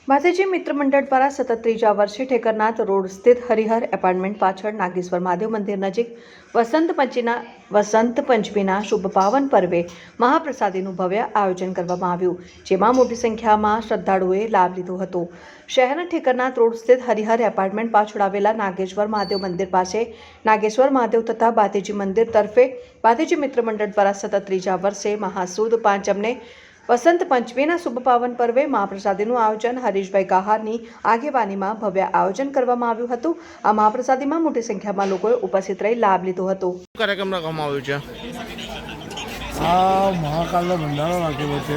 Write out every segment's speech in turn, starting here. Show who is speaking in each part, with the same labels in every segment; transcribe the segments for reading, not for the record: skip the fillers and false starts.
Speaker 1: માતાજી મિત્ર મંડળ દ્વારા સતત ત્રીજા વર્ષે ઠેકરનાથ રોડ સ્થિત હરિહર એપાર્ટમેન્ટ પાછળ નાગેશ્વર મહાદેવ મંદિર નજીક વસંત પંચમીના શુભ પાવન પર્વે મહાપ્રસાદીનું ભવ્ય આયોજન કરવામાં આવ્યું, જેમાં મોટી સંખ્યામાં શ્રદ્ધાળુઓએ લાભ લીધો હતો। શહેરના ઠેકરનાથ રોડ સ્થિત હરિહર એપાર્ટમેન્ટ પાછળ આવેલા નાગેશ્વર મહાદેવ મંદિર પાસે નાગેશ્વર મહાદેવ તથા બાતેજી મંદિર તરફે બાતેજી મિત્ર મંડળ દ્વારા સતત ત્રીજા વર્ષે મહાસુદ પાંચમને વસંત પંચમીના શુભ પાવન પર્વે મહાપ્રસાદીનું આયોજન હરીશભાઈ ગાહારની આગેવાનીમાં ભવ્ય આયોજન કરવામાં આવ્યું હતું। આ મહાપ્રસાદીમાં મોટી સંખ્યામાં લોકોએ ઉપસ્થિત રહી લાભ લીધો હતો।
Speaker 2: કાર્યક્રમ રાખવામાં આવ્યો છે।
Speaker 3: આ મહાકાલનો ભંડારો રાખેલો છે।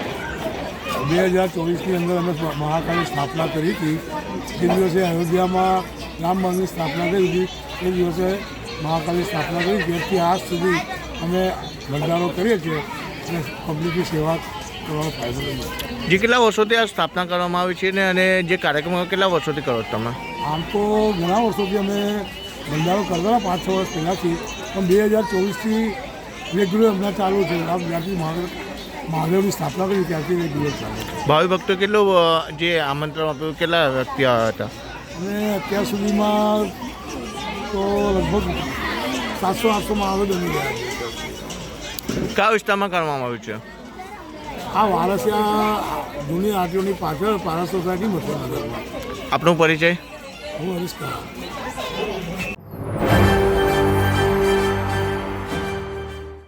Speaker 3: 2024ની અંદર અમે મહાકાલની સ્થાપના કરી હતી। જે દિવસે અયોધ્યામાં રામ મંદિરની સ્થાપના કરી હતી એ દિવસે મહાકાલની સ્થાપના કરી। ત્યારથી આજ સુધી અમે ભંડારો કરીએ છીએ અને પબ્લિકની સેવા કરવાનો ફાયદો લઈએ।
Speaker 2: જે કેટલા વર્ષોથી આ સ્થાપના કરવામાં આવી છે અને જે કાર્યક્રમો કેટલા વર્ષોથી કરો છો તમે?
Speaker 3: આમ તો ઘણા વર્ષોથી અમે ભંડારો કરતા 5-6 વર્ષ પહેલાંથી, પણ 2024થી રેગ્યુલર હમણાં ચાલુ છે। આ જ્યાંથી મહાદેવની સ્થાપના કરી ત્યાંથી રેગ્યુલર ચાલુ છે।
Speaker 2: ભાવિ ભક્તો કેટલું જે આમંત્રણ આપ્યું, કેટલા વ્યક્તિ આવ્યા હતા?
Speaker 3: અને અત્યાર સુધીમાં તો લગભગ 700-800 આવે બની ગયા છે।
Speaker 2: કયા વિસ્તારમાં કરવામાં આવ્યું છે?
Speaker 3: આ વારસિયા જૂની આરટીઓની પાછળ પારા સોસાયટી મથુરાનગરમાં।
Speaker 2: આપનો પરિચય?
Speaker 3: હું હરીશ કુમાર।